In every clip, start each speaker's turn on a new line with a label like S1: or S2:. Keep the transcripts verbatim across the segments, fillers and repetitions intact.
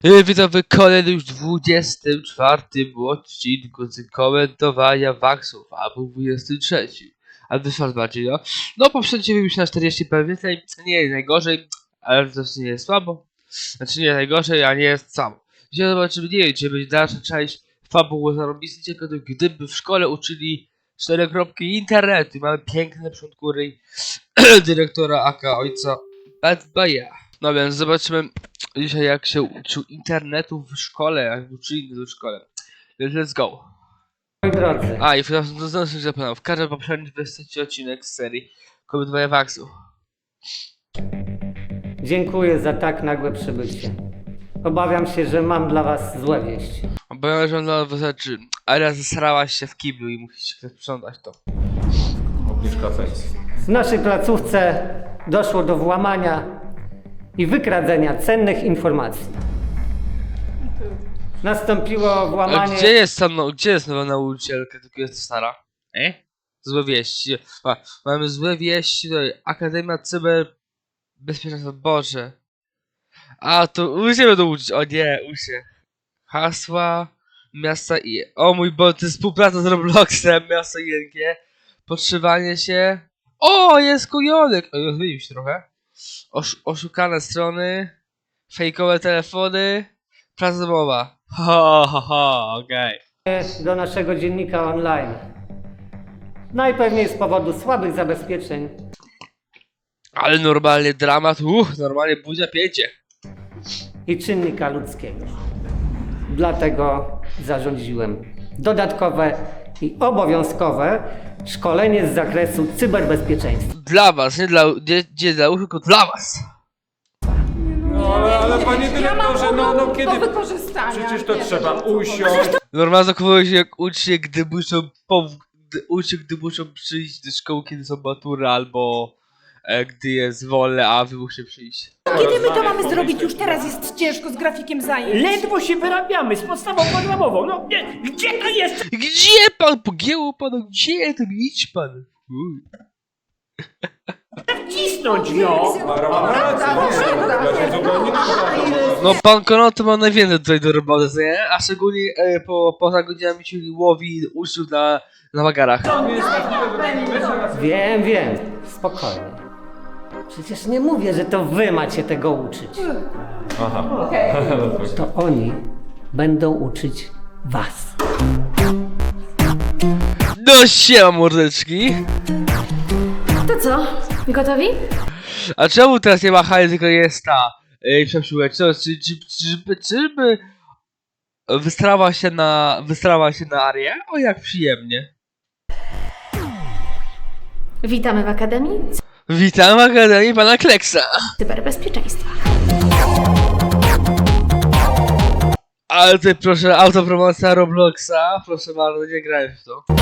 S1: Yy, Witam w kolejnym już dwudziestym czwartym odcinku z komentowania Waxów, albo dwudziestym trzecim. A wyszło bardziej, no. No, poprzednio już na czterdzieści pewnie, nie jest najgorzej, ale to nie jest słabo. Znaczy nie jest najgorzej, a nie jest słabo. Dzisiaj zobaczymy, nie wiem, czy będzie dalsza część fabuły zarobisty, gdyby w szkole uczyli cztery kropki internetu. Mamy piękne przodkury dyrektora aka ojca Bad Boya. No więc zobaczymy dzisiaj, jak się uczył internetu w szkole, jak uczyli w szkole. Więc let's go.
S2: Moi drodzy,
S1: A i znowu się zapomniał, w każdym poprzednim dwudziestym odcinek z serii komentowania Waxów.
S2: dziękuję za tak nagłe przybycie. Obawiam się, że mam dla was złe wieści.
S1: Obawiam się, że ona wystarczy. Ela zasrałaś się w kiblu i musicie sprzątać to.
S3: Obniżka pensji.
S2: W naszej placówce doszło do włamania i wykradzenia cennych informacji. Nastąpiło
S1: A
S2: włamanie...
S1: gdzie jest tam, no, gdzie jest nowa nauczycielka, tylko jest stara? E? Złe wieści. A, mamy złe wieści, to Akademia Cyberbezpieczeństwa, Boże. A, to usie będą uczyć, o nie, usie. Hasła, miasta i... O mój Boże, to jest współpraca z Robloxem, miasto I N G. Podszywanie się... O, jest kujonek! O, zmienił się trochę. Osz oszukane strony, fejkowe telefony, praca domowa. Ha, ha, ha, okej. Okay.
S2: do naszego dziennika online. Najpewniej z powodu słabych zabezpieczeń
S1: Ale normalnie dramat, uff, normalnie buzia pięcie.
S2: i czynnika ludzkiego. Dlatego zarządziłem dodatkowe i obowiązkowe szkolenie z zakresu cyberbezpieczeństwa.
S1: Dla was, nie dla, nie, nie dla uszu, tylko dla was.
S3: No ale, ale panie dyrektorze, no, no kiedy...
S4: Do wykorzystania.
S3: Przecież to
S4: Nie,
S3: trzeba
S4: to-
S3: usiąść.
S1: Normalnie zachowują się jak ucznie, gdy muszą, po, gdy, ucznie, gdy muszą przyjść do szkoły, kiedy są matury, albo e, gdy jest wolne, a wy musicie przyjść.
S4: Kiedy my to mamy zrobić? Już teraz jest ciężko z grafikiem zajęć.
S5: Ledwo się wyrabiamy z podstawą programową. No nie, gdzie to jest?
S1: Gdzie pan? Pogięło panu? Gdzie to? Idź pan. Uj.
S5: Wcisnąć, no!
S3: Mam rację, nie, ja się zupełnie nie
S1: No pan Konoty ma najwięcej tutaj do roboty, co nie? A szczególnie e, po, poza godzinami, czyli łowi uczniów na, na wagarach.
S2: Wiem, wiem, spokojnie. Przecież nie mówię, że to wy macie tego uczyć.
S3: Aha.
S2: To oni będą uczyć was.
S1: No siema mordeczki.
S6: To co? Gotowi?
S1: A czemu teraz nie ma hali, tylko jest ta yy, przepsiłek? Co, czy, czy, czy, czy, czy by wystrała się na, wystrała się na Arię? O jak przyjemnie.
S6: Witamy w Akademii
S1: Witam w Akademii pana Kleksa.
S6: Cyberbezpieczeństwa.
S1: Ale tutaj proszę, autopromocja Robloxa. Proszę bardzo, nie grałem w to.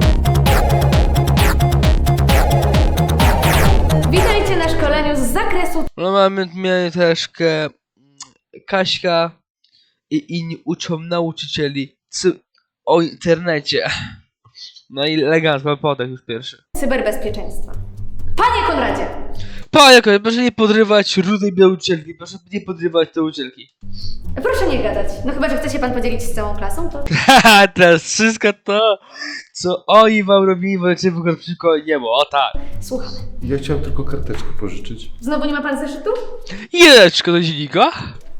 S6: Witajcie na szkoleniu z zakresu
S1: No mamy mieli troszkę Kaśka i inni uczą nauczycieli cy- o internecie. No i elegancko, podech już pierwszy.
S6: cyberbezpieczeństwa. Panie Konradzie!
S1: Panie, proszę nie podrywać rudej nauczycielki, proszę nie podrywać nauczycielki.
S6: Proszę nie gadać. No chyba, że chce się pan podzielić z całą klasą, to...
S1: Haha, teraz wszystko to, co oni wam robili, możecie w ogóle przykład nie było, o tak.
S6: Słuchamy.
S7: Ja chciałem tylko karteczkę pożyczyć.
S6: Znowu nie ma pan zeszytu?
S1: Jedeczko do dziennika.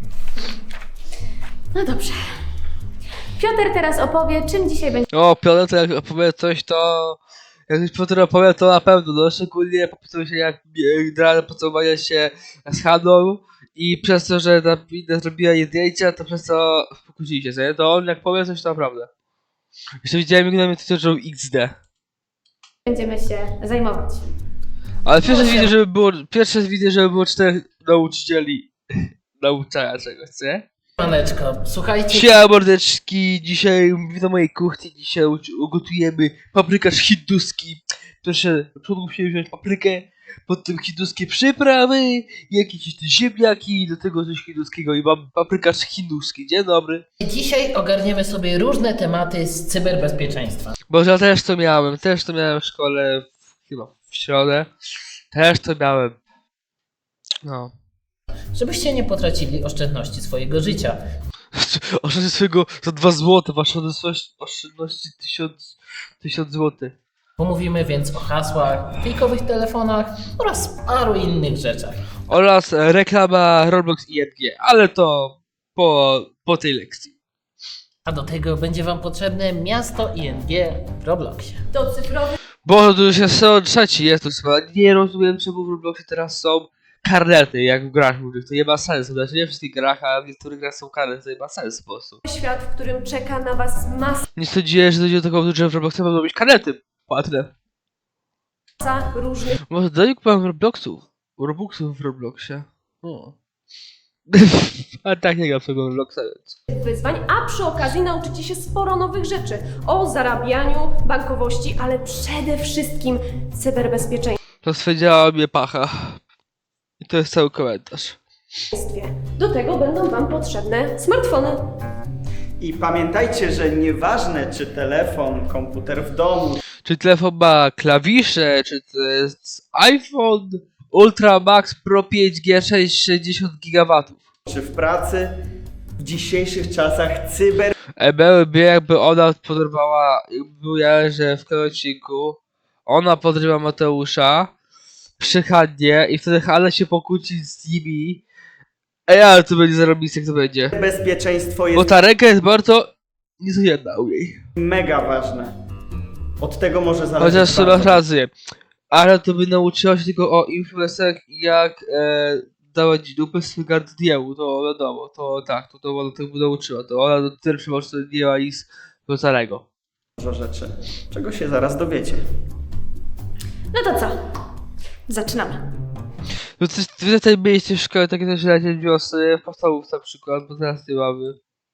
S6: No dobrze. Piotr teraz opowie, czym dzisiaj będzie
S1: O, Piotr, jak opowie coś, to... Jak już Piotr opowie, to na pewno, no szczególnie popisał się jak gra pocałowania się z Haną i przez to, że ta inna zrobiła jej zdjęcia, to przez to pokłócili się, nie? To on jak powie coś, to naprawdę. Jeszcze widziałem, jak na mnie to X D.
S6: będziemy się zajmować.
S1: Ale pierwsze widzę, żeby było, pierwsze widzę, żeby było czterech nauczycieli nauczania czegoś, nie?
S8: Maneczko, słuchajcie,
S1: Siema mordeczki, dzisiaj witam mojej kuchni, dzisiaj ugotujemy paprykarz hinduski. Proszę, na początku musimy wziąć paprykę, potem hinduskie przyprawy, jakieś te ziemniaki, do tego coś hinduskiego i mam paprykarz hinduski, dzień dobry.
S8: dzisiaj ogarniemy sobie różne tematy z cyberbezpieczeństwa.
S1: Bo ja też to miałem, też to miałem w szkole, w, chyba w środę, też to miałem. No.
S8: żebyście nie potracili oszczędności swojego życia.
S1: Oszczędź swojego za dwa złote, wasze oszczędności- oszczędności tysiąc, tysiąc złotych.
S8: Pomówimy więc o hasłach, fejkowych telefonach oraz paru innych rzeczach.
S1: Oraz e, reklama Roblox i N G, ale to po, po tej lekcji.
S8: A do tego będzie wam potrzebne miasto I N G w Robloxie.
S6: Do cyfrowych
S1: Bo to już jest sezon trzeci, jest to chyba. Nie rozumiem, czemu w Robloxie teraz są karnety, jak w grach różnych. To nie ma sensu. Znaczy nie w wszystkich grach, a w niektórych grach są karnety, to nie ma sensu po prostu.
S6: świat, w którym czeka na was
S1: Nie sądziłem, że dojdzie do tego, że w Robloxie będą robić karnety płatne.
S6: masa różnych
S1: Może do nich mam Robloxów. Robuxów w Robloxie. O. A tak nie gram w tego Robloxa, więc.
S6: wyzwań, a przy okazji nauczycie się sporo nowych rzeczy o zarabianiu, bankowości, ale przede wszystkim cyberbezpieczeństwie.
S1: Rozwiedziała mnie pacha. I to jest cały komentarz.
S6: Do tego będą wam potrzebne smartfony.
S9: I pamiętajcie, że nieważne czy telefon, komputer w domu,
S1: Czy telefon ma klawisze, czy to jest iPhone Ultra Max Pro pięć G sześć sześćdziesiąt gigawatów.
S9: czy w pracy, w dzisiejszych czasach cyber
S1: E, byłyby jakby ona podrywała, jakby był ja, że w tym odcinku ona podrywa Mateusza przy Hannie i wtedy Hanna się pokłóci z nimi. Ej, ale to będzie zarobiste, jak to będzie.
S9: bezpieczeństwo
S1: Bo
S9: jest
S1: ta ręka jest bardzo niecodzienna u niej.
S9: mega ważne. Od tego może zależeć
S1: Chociaż to
S9: bardzo.
S1: masz rację. Ale to by nauczyła się tylko o influencerach i jak e, dawać dupę swój gardniemu, to wiadomo, to tak, to, to ona tego by nauczyła, to ona do tyle przymocy nie ma nic wcale.
S9: Dużo rzeczy, czego się zaraz dowiecie.
S6: No to co? Zaczynamy.
S1: No coś, wy tutaj mieliście w szkole takie też lecie wiosny, w podstawówce na przykład, bo teraz nie mamy.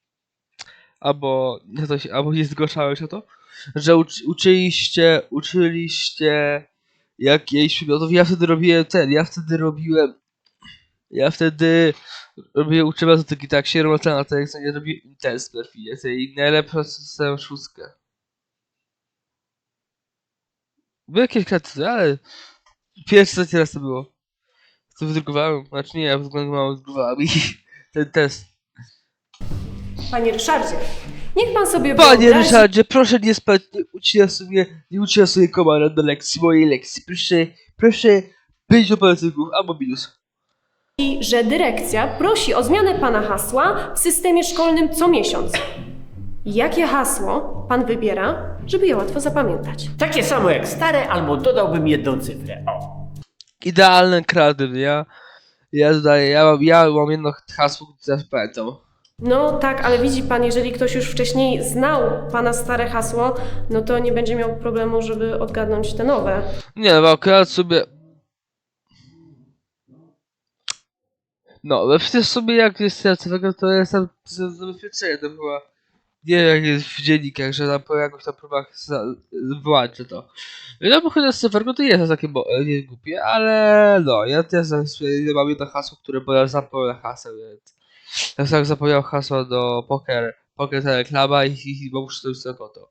S1: Albo nie, to się, albo nie zgłaszałeś o to, że uczy, uczyliście, uczyliście jakiejś przedmiotów. Ja wtedy robiłem ten, ja wtedy robiłem, ja wtedy robiłem uczyłem matematyki, tak się robię na to, jak sobie robiłem test w perfilie, i najlepszą system szóstkę. Były jakieś kreatywy, ale pierwszy raz teraz to było. To wydrukowałem, znaczy nie, ja wydrukowałem i ten test.
S6: Panie Ryszardzie, niech pan sobie
S1: Panie
S6: wyobrazi...
S1: Ryszardzie, proszę nie spać, nie uczyła sobie, nie uczyła sobie komara do lekcji, mojej lekcji. Proszę, proszę pięć operacyjków albo minus.
S6: że dyrekcja prosi o zmianę pana hasła w systemie szkolnym co miesiąc. Jakie hasło pan wybiera, żeby je łatwo zapamiętać?
S5: Takie samo jak stare, albo dodałbym jedną cyfrę. O.
S1: Idealny kreatywny, ja, ja dodaję, ja mam, ja mam jedno hasło, które zawsze pamiętam.
S6: No tak, ale widzi pan, jeżeli ktoś już wcześniej znał pana stare hasło, no to nie będzie miał problemu, żeby odgadnąć te nowe.
S1: Nie, no bo akurat sobie... No, ale przecież sobie jak jest kreatywnego, to jest tam za- zabezpieczenie, to chyba... Nie wiem jak jest w dziennikach, że tam po jakoś tam próbach za- wyłączę to. No bo chyba z cyferką to jest takie bo, nie głupie, ale no, ja też zawsze mam jedno hasło, które bo ja zapomniałem haseł, więc... Ja sam zapomniał hasła do poker, poker ta reklama i, i, i muszę to już sobie konto.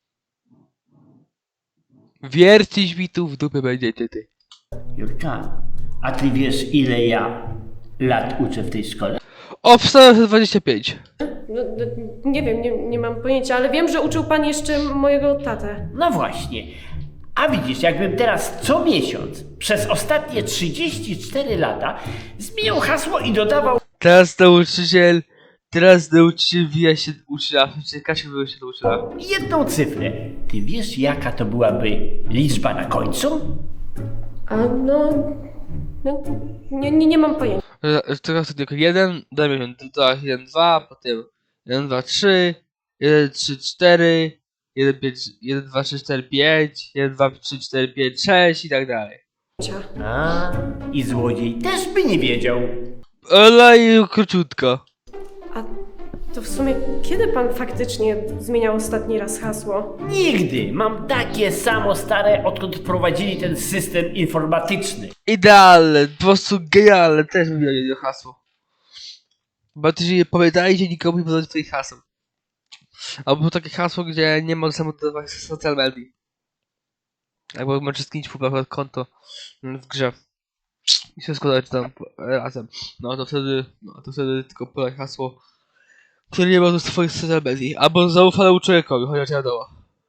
S1: Wiercić mi tu w dupę będziecie ty.
S5: Jurka, a ty wiesz ile ja lat uczę w tej szkole?
S1: Obstałem dwadzieścia pięć.
S6: No, no, nie wiem, nie, nie mam pojęcia, ale wiem, że uczył pan jeszcze mojego tatę.
S5: No właśnie. A widzisz, jakbym teraz co miesiąc przez ostatnie trzydzieści cztery lata zmieniał hasło i dodawał
S1: Teraz nauczyciel, teraz nauczyciel wija się ucznia, czy Kasia wija się do ucznia.
S5: jedną cyfrę. Ty wiesz jaka to byłaby liczba na końcu?
S6: A no... no nie, nie, nie mam pojęcia.
S1: Teraz to tylko jeden, dajmy tutaj jeden, dwa, potem jeden, dwa, trzy, jeden, trzy, cztery, jeden, pięć, jeden, dwa, trzy, cztery, pięć, jeden, dwa, trzy, cztery, pięć, sześć i tak dalej.
S5: A, i złodziej też by nie wiedział.
S1: Ale i króciutko.
S6: A to w sumie kiedy pan faktycznie zmieniał ostatni raz hasło?
S5: Nigdy. Mam takie samo stare, odkąd wprowadzili ten system informatyczny.
S1: Idealne, po prostu genialne, też bym miał jedno hasło. Bo też nie pamiętajcie nikomu nie podawać swoich haseł. Albo takie hasło, gdzie nie ma samododawać social media. Albo możesz skinić po konto w grze. i się składać tam razem. No to wtedy, no to wtedy tylko podaj hasło, które nie ma do swoich social medii, albo zaufanemu człowiekowi, chociaż wiadomo.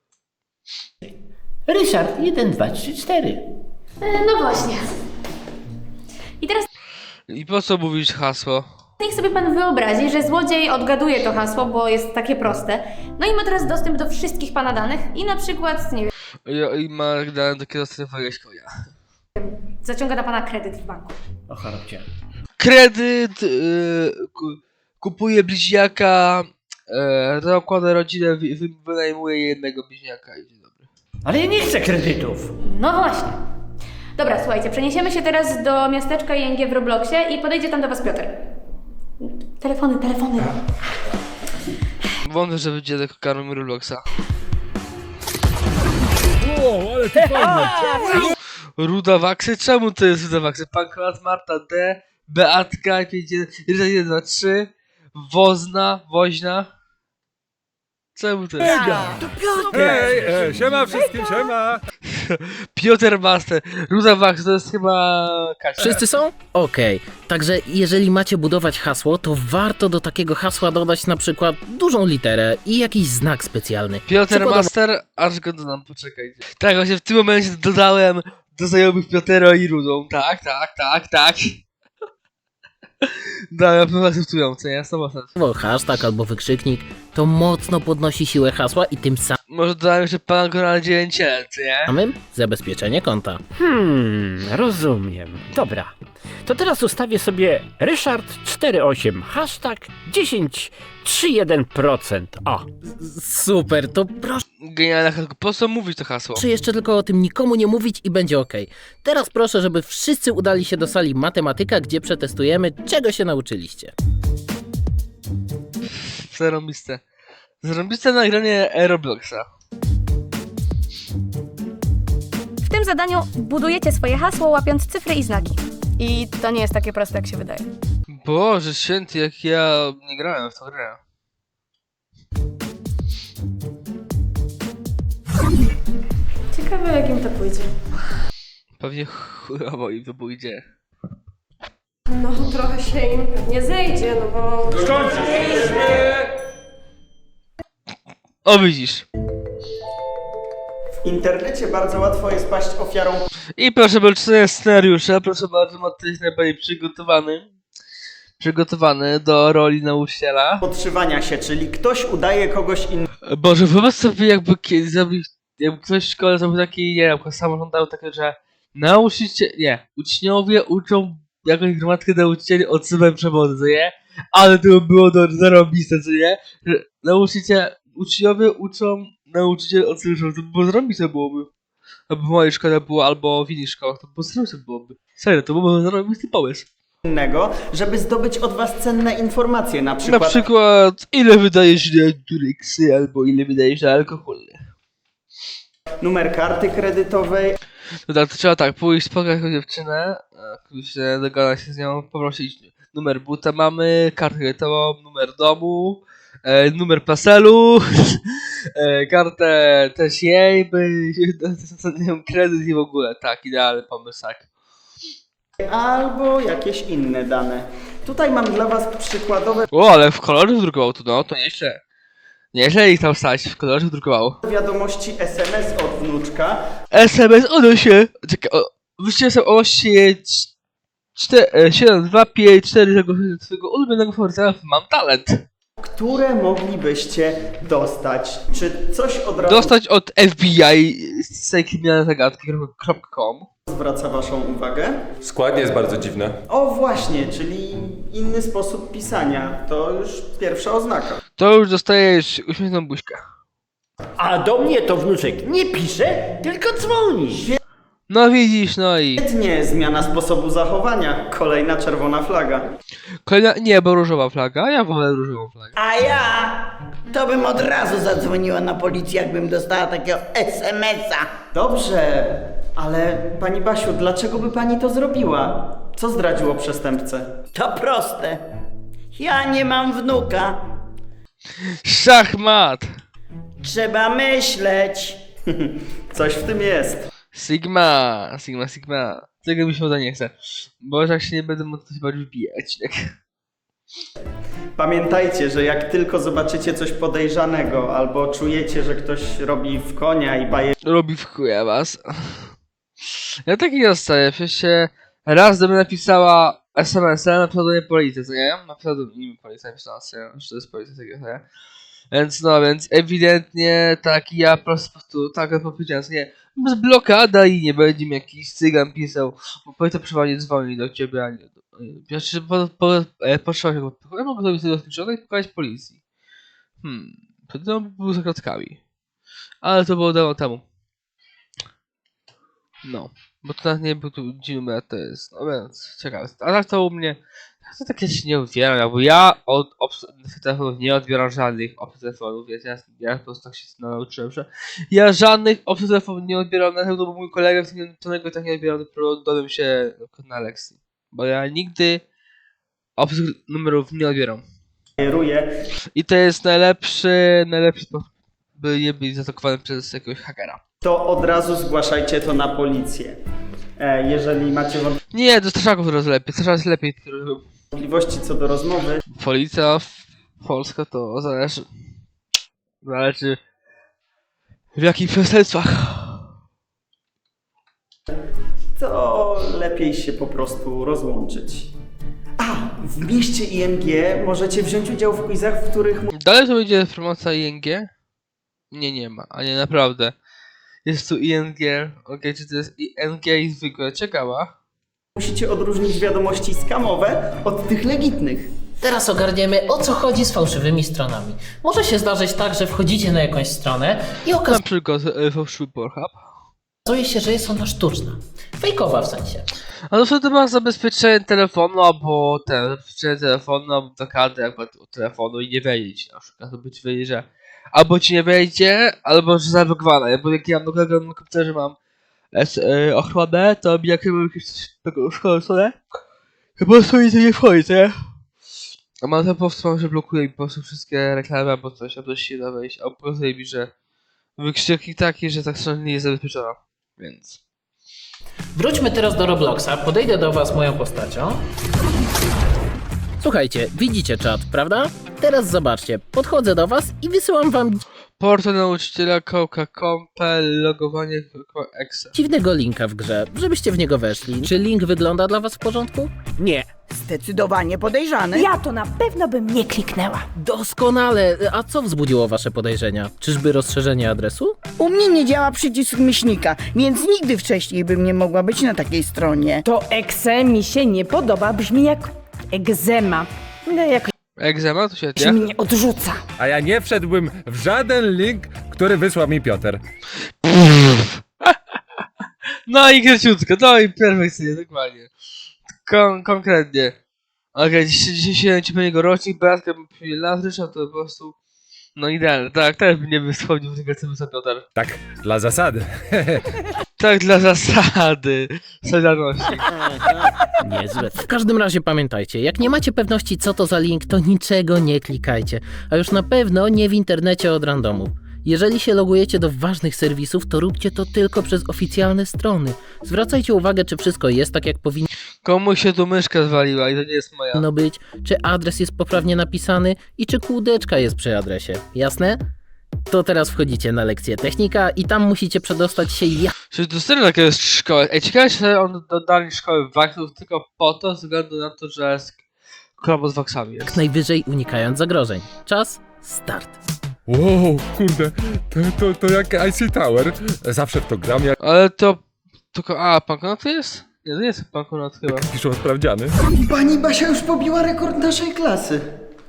S5: Ryszard, jeden, dwa, trzy, cztery.
S10: No właśnie. I teraz
S1: I po co mówić hasło?
S10: niech sobie pan wyobrazi, że złodziej odgaduje to hasło, bo jest takie proste. No i ma teraz dostęp do wszystkich pana danych i na przykład, nie wiem,
S1: I, i ma dane do kierowstwa konia.
S10: zaciąga na pana kredyt w banku.
S5: O, chorobcie.
S1: Kredyt, yy, ku- kupuje bliźniaka, yy, zakłada rodzinę, wy, wy, wynajmuje jednego bliźniaka i dzień dobry.
S5: Ale ja nie chcę kredytów.
S10: No właśnie. Dobra, słuchajcie, przeniesiemy się teraz do miasteczka I N G w Robloxie i podejdzie tam do was Piotr. Telefony, telefony.
S1: Wątpię, że będzie tylko karą Robloxa.
S3: O, ale to fajne.
S1: Ruda Waksy? Czemu to jest Ruda Waksy? Pankrat, Marta D, Beatka, pięć jeden dwa trzy, Wozna, Woźna. Czemu to jest?
S3: Hej, e, siema wszystkim, siema.
S1: Piotr Master, Ruda Waksy to jest chyba Kasia.
S8: Wszyscy są? Okej. Także jeżeli macie budować hasło, to warto do takiego hasła dodać na przykład dużą literę i jakiś znak specjalny.
S1: Piotr
S8: Przykładowo-
S1: Master, aż go dodam, poczekajcie. Tak, właśnie w tym momencie dodałem do znajomych Piotera i Rudą. Tak, tak, tak, tak. No, ja bym akceptują, co nie? sto procent.
S8: Hashtag albo wykrzyknik, to mocno podnosi siłę hasła i tym
S1: Może dodałem jeszcze pana go na dziewięć, co nie?
S8: samym zabezpieczenie konta.
S11: Hmm, rozumiem. Dobra. To teraz ustawię sobie Ryszard cztery osiem, hashtag dziesięć trzydzieści jeden procent. O,
S8: Super, to proszę
S1: Genialne hasło. Po co mówić to hasło?
S8: jeszcze tylko o tym nikomu nie mówić i będzie ok. Teraz proszę, żeby wszyscy udali się do sali matematyka, gdzie przetestujemy, czego się nauczyliście.
S1: Zarąbiste. Zarąbiste nagranie Robloxa.
S10: W tym zadaniu budujecie swoje hasło, łapiąc cyfry i znaki. I to nie jest takie proste, jak się wydaje.
S1: Boże święty, jak ja nie grałem w tą grę.
S6: Ciekawe, jak im to pójdzie.
S1: Pewnie chujowo im to pójdzie.
S6: No, trochę się im pewnie zejdzie, no bo...
S3: Skończyliśmy.
S1: O, widzisz.
S9: W internecie bardzo łatwo jest paść ofiarą
S1: I proszę bardzo, czytania scenariusza. Proszę bardzo, Mateusz jest najbardziej przygotowany. Przygotowany do roli nauczyciela.
S9: podszywania się, czyli ktoś udaje kogoś innego.
S1: Boże, wyobraź sobie, jakby kiedyś zrobił, jakby ktoś w szkole zrobił taki, nie wiem, samorząd dał takie, że nauczyciel, nie, uczniowie uczą jakąś gromadkę nauczycieli odsuwem przewodu, co nie? Ale to by było do zarobiste, co nie? Że nauczyciel, uczniowie uczą nauczyciel odsuwem przewodu, to by było zarobiste byłoby. Albo w mojej szkole było, albo w innych szkołach, to by było zarobiste byłoby. Serio, to byłoby zarobisty pomysł.
S9: innego, żeby zdobyć od was cenne informacje, na przykład,
S1: Na przykład, ile wydajesz na Dureksy, albo ile wydajesz na alkohol.
S9: numer karty kredytowej,
S1: No tak, to trzeba tak, pójść spotkać jakąś dziewczynę, a się dogadać się z nią, poprosić numer buta mamy, kartę kredytową, numer domu, e, numer paselu, e, kartę też jej, by nią kredyt i w ogóle, tak, idealny pomysł, tak.
S9: albo jakieś inne dane. Tutaj mam dla was przykładowe
S1: O, ale w kolorze wydrukował to, no, to nieźle. Nieźle ich tam stać, w kolorze wydrukowało.
S9: wiadomości S M S od wnuczka,
S1: S M S odnośnie, czekaj, o, wyście sobie o siedem dwa pięć cztery tego swojego ulubionego faworyta, mam talent.
S9: które moglibyście dostać. Czy coś od razu
S1: Dostać od F B I z tej kryminalnej zagadki kropka com.
S9: zwraca waszą uwagę?
S7: Składnie jest bardzo dziwne.
S9: O właśnie, czyli inny sposób pisania. To już pierwsza oznaka.
S1: To już dostajesz uśmiechniętą buźkę.
S5: A do mnie to wnuczek nie pisze, tylko dzwoni.
S1: No widzisz, no i...
S9: Świetnie, zmiana sposobu zachowania. Kolejna czerwona flaga.
S1: Kolejna, nie, bo różowa flaga, ja wolę różową flagę.
S12: A ja to bym od razu zadzwoniła na policję, jakbym dostała takiego S M S-a.
S9: Dobrze, ale pani Basiu, dlaczego by pani to zrobiła? Co zdradziło przestępcę?
S12: To proste. Ja nie mam wnuka.
S1: Szachmat!
S12: Trzeba myśleć.
S9: Coś w tym jest.
S1: Sigma, Sigma, Sigma. Tego mi się uda nie chce. Bo jak się nie będę mógł to chyba wbijać. Tak?
S9: Pamiętajcie, że jak tylko zobaczycie coś podejrzanego albo czujecie, że ktoś robi w konia i baje
S1: Robi w chuja was. Ja taki nie dostaję, przecież się raz do mnie napisała es em es a na pseudonim policji, co nie? Na pseudonim policji napisała, że to jest policja takiego, nie? Więc no, więc ewidentnie tak ja po prostu tak powiedziałem, co nie? Bez blokada i nie będzie mi jakiś cygan pisał, bo policja przeważnie dzwoni do ciebie, a nie do... Znaczy, po, po, e, potrzeba się, ja mogę zrobić tego screenshota i pokazać policji. Hmm, to był za kratkami. Ale to było dawno temu. No, bo to nawet nie był tu dzień numer, to jest, no więc, ciekawe. A tak to u mnie, to takie się nie odbieram, bo ja od obsług telefonów nie odbieram żadnych obsług telefonów, wiecie, ja, ja po prostu tak się nauczyłem, że ja żadnych obsług telefonów nie odbieram, na pewno bo mój kolega tego tak nie odbierał, dopiero dowiem się na lekcji. Bo ja nigdy obsług numerów nie odbieram.
S9: bajeruje,
S1: I to jest najlepszy, najlepszy sposób, by nie być zaatakowany przez jakiegoś hakera.
S9: to od razu zgłaszajcie to na policję. E, jeżeli macie
S1: Nie, do strażaków teraz lepiej, strażak jest lepiej.
S9: wątpliwości co do rozmowy,
S1: Policja w Polska to zależy. Zależy w jakich przestępstwach.
S9: to lepiej się po prostu rozłączyć. A, w mieście I N G możecie wziąć udział w quizach, w których
S1: Dalej to będzie promocja I N G? Nie, nie ma, a nie naprawdę. Jest tu I N G, okej, czy to jest I N G i zwykłe, ciekawa.
S9: musicie odróżnić wiadomości skamowe od tych legitnych.
S8: Teraz ogarniemy, o co chodzi z fałszywymi stronami. Może się zdarzyć tak, że wchodzicie na jakąś stronę i
S1: Na
S8: okazuje
S1: przykład e, fałszywy Pornhub.
S8: się, że jest ona sztuczna. Fejkowa w sensie.
S1: A to wtedy masz zabezpieczenie telefonu, albo ten, zabezpieczenie telefonu, albo blokady jakby od telefonu i nie wiedzieć na przykład, to być wiedzieć, że albo ci nie wejdzie, albo że zablokowana, bo jak ja na na komputerze mam S, e, ochronę, to mi jak mam jakieś taką szkolę, to po prostu mi to nie wchodzi, nie? A mam to po prostu, że blokuje mi po prostu wszystkie reklamy, albo coś, albo się da wejść, albo pokazuje mi, że wykrzyknik taki, że ta strona nie jest zabezpieczona, więc...
S8: Wróćmy teraz do Robloxa, podejdę do was moją postacią. Słuchajcie, widzicie czat, prawda? Teraz zobaczcie, podchodzę do was i wysyłam wam
S1: Portal nauczyciela, kołka, kompel, logowanie, exe.
S8: dziwnego linka w grze, żebyście w niego weszli. Czy link wygląda dla was w porządku?
S11: Nie.
S12: Zdecydowanie podejrzany.
S4: Ja to na pewno bym nie kliknęła.
S8: Doskonale! A co wzbudziło wasze podejrzenia? Czyżby rozszerzenie adresu?
S12: U mnie nie działa przycisk myślnika, więc nigdy wcześniej bym nie mogła być na takiej stronie.
S4: To exe mi się nie podoba, brzmi jak egzema. No jakoś
S1: Egzema, to świetnie.
S4: mnie odrzuca.
S3: A ja nie wszedłbym w żaden link, który wysłał mi Piotr.
S1: No i króciutko, no i perfekcyjnie, dokładnie. Kon konkretnie. Okej, okay, dzisiaj, dzisiaj się ci jego rocznik, Beatka bym lat Ryszał, to po prostu... No idealne, tak, też bym nie wyschodził w tego co wysłał Piotr.
S3: Tak, dla zasady.
S1: Tak, dla zasady. Solidarności.
S8: Niezłe. W każdym razie pamiętajcie, jak nie macie pewności co to za link, to niczego nie klikajcie. A już na pewno nie w internecie od randomu. Jeżeli się logujecie do ważnych serwisów, to róbcie to tylko przez oficjalne strony. Zwracajcie uwagę, czy wszystko jest tak jak powinno
S1: Komuś się tu myszka zwaliła i to nie jest moja.
S8: być, czy adres jest poprawnie napisany i czy kółdeczka jest przy adresie. Jasne? To teraz wchodzicie na lekcję technika i tam musicie przedostać się jak
S1: Czy to serio taka jest szkoła? Ej, ciekawe, czy on dodali szkoły waksów tylko po to, ze względu na to, że jest kolabo z waksami jest.
S8: najwyżej unikając zagrożeń. Czas, start.
S3: Wow, kurde, to, to, to jak I C Tower. Zawsze w to gram, jak
S1: Ale to... tylko... A, Pankonot to jest? Nie, to nie jest Pankonot chyba.
S3: piszą sprawdziany.
S9: Pani Basia już pobiła rekord naszej klasy.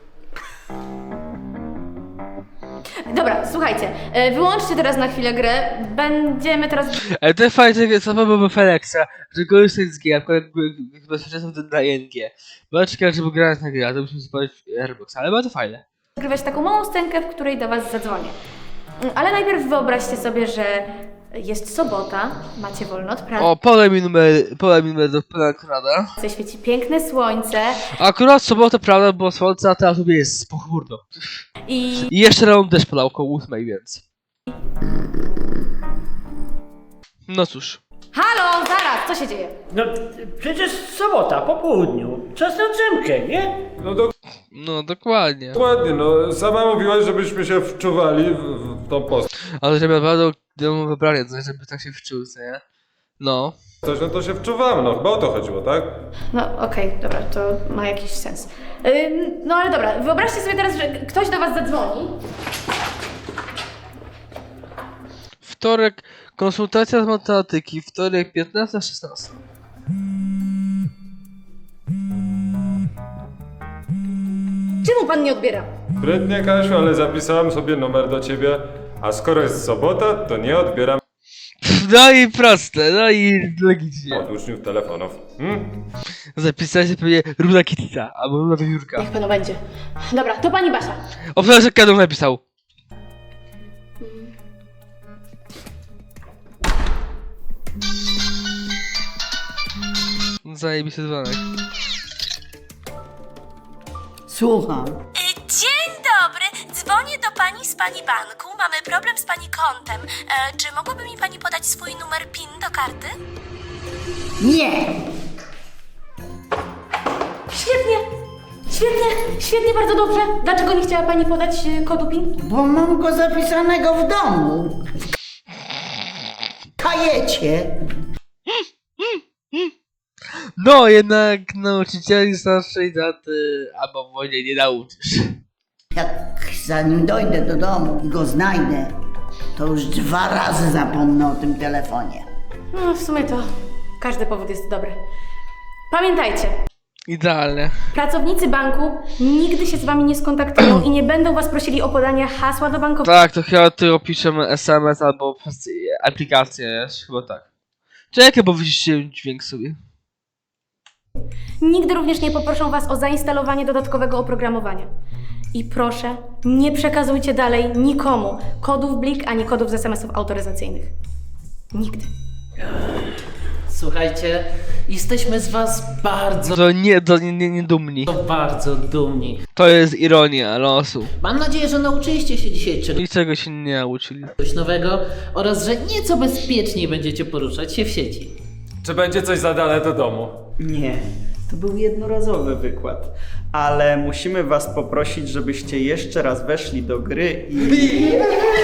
S10: Dobra, słuchajcie, e, wyłączcie teraz na chwilę grę. Będziemy teraz...
S1: Ale to fajnie, co byłoby Felexa, że korzystać z gier, jakby bezpieczeństwo na I N G. Bo czekaj, żeby grać na grę, to musimy spojrzeć Airbox, ale bardzo fajne.
S10: Nagrywać taką małą scenkę, w której do was zadzwonię. Mm, Ale najpierw wyobraźcie sobie, że jest sobota, macie wolno od pracy,
S1: O, podaj mi numer, podaj mi numer do pana Konrada.
S10: świeci piękne słońce
S1: Akurat sobota, prawda, było słońce, a teraz sobie jest pochmurno.
S10: i...
S1: I jeszcze rano deszcz padał około ósmej, więc... No cóż.
S10: Halo, zaraz, co się dzieje?
S5: No przecież sobota, po południu. Czas na drzemkę, nie?
S3: No do...
S1: No dokładnie.
S3: dokładnie, no sama mówiłaś, żebyśmy się wczuwali w, w tą postać,
S1: Ale żeby naprawdę domu wybranie, to żeby tak się wczuł, co nie? No.
S3: no to się wczuwamy, no chyba o to chodziło, tak?
S10: No okej, dobra, to ma jakiś sens. Ym, no ale dobra, wyobraźcie sobie teraz, że ktoś do was zadzwoni.
S1: Wtorek, konsultacja z matematyki, wtorek piętnasta szesnasta.
S10: Czemu pan nie odbiera?
S3: Sprytnie, Kasiu, ale zapisałem sobie numer do ciebie, a skoro jest sobota, to nie odbieram
S1: No i proste, no i logicznie.
S3: od uczniów telefonów. Hmm?
S1: Zapisałeś się pewnie Runa Kittica, albo Runa Wiewiórka.
S10: Niech panu będzie. Dobra, to pani Basia.
S1: O, przepraszam, jak Kadum napisał. Zajebisty dzwonek.
S12: Słucham.
S13: Dzień dobry, dzwonię do pani z pani banku. Mamy problem z pani kontem. E, czy mogłaby mi pani podać swój numer PIN do karty?
S12: Nie!
S10: Świetnie! Świetnie! Świetnie, bardzo dobrze. Dlaczego nie chciała pani podać y, kodu PIN?
S12: Bo mam go zapisanego w domu. W kajecie.
S1: No, jednak nauczycieli starszej daty albo w wojnie nie nauczysz.
S12: Jak zanim dojdę do domu i go znajdę, to już dwa razy zapomnę o tym telefonie.
S10: No, w sumie to każdy powód jest dobry. Pamiętajcie,
S1: Idealnie.
S10: pracownicy banku nigdy się z wami nie skontaktują i nie będą was prosili o podanie hasła do bankowości.
S1: Tak, to chyba ty opiszemy S M S albo przez aplikację, jest? Chyba tak. Czekaj, bo wyciszcie dźwięk sobie.
S10: Nigdy również nie poproszą was o zainstalowanie dodatkowego oprogramowania. I proszę, nie przekazujcie dalej nikomu kodów Blik ani kodów z S M S-ów autoryzacyjnych. Nigdy.
S8: Słuchajcie, jesteśmy z was bardzo,
S1: To nie, to nie, nie, nie dumni.
S8: bardzo dumni.
S1: To jest ironia losu.
S8: Mam nadzieję, że nauczyliście się dzisiaj czegoś
S1: Niczego się nie nauczyli.
S8: nowego oraz że nieco bezpieczniej będziecie poruszać się w sieci.
S3: Czy będzie coś za dane do domu?
S9: Nie, to był jednorazowy wykład, ale musimy was poprosić, żebyście jeszcze raz weszli do gry i...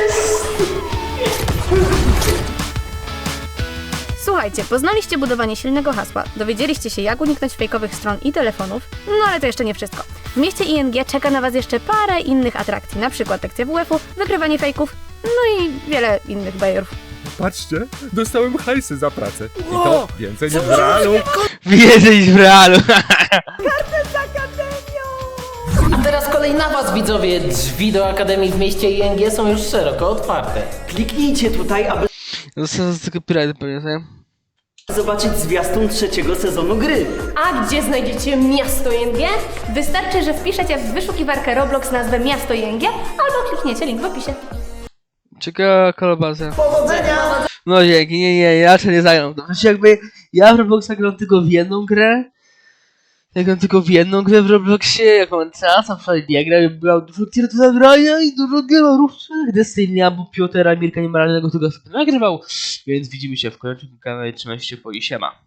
S10: Słuchajcie, poznaliście budowanie silnego hasła, dowiedzieliście się, jak uniknąć fejkowych stron i telefonów, no ale to jeszcze nie wszystko. W mieście I N G czeka na was jeszcze parę innych atrakcji, na przykład lekcja W F-u, wykrywanie fejków, no i wiele innych bajerów.
S3: Patrzcie, dostałem hajsy za pracę. I to więcej niż w realu.
S1: Więcej niż w realu.
S8: A teraz kolej na was, widzowie! Drzwi do Akademii w mieście I N G są już szeroko otwarte.
S9: Kliknijcie tutaj, aby
S1: Zostałem z tego pirata, pamiętaj.
S9: zobaczyć zwiastun trzeciego sezonu gry.
S6: A gdzie znajdziecie miasto I N G?
S10: Wystarczy, że wpiszecie w wyszukiwarkę Roblox nazwę Miasto I N G albo klikniecie link w opisie.
S1: Ciekawa kolabacja.
S12: Powodzenia!
S1: No dzięki, nie, nie, ja raczej nie zagram. To znaczy jakby ja w Robloxa gram tylko w jedną grę. Ja gram tylko w jedną grę w Robloxie, jak mam czas, a wczoraj nie gram, i byłem dużo gier do zagrania i dużo gierów, gdy Stanley albo Piotra Mirka Niemoralnego tego sobie nagrywał. Więc widzimy się w kolejnym kanale, trzymajcie się, po i siema.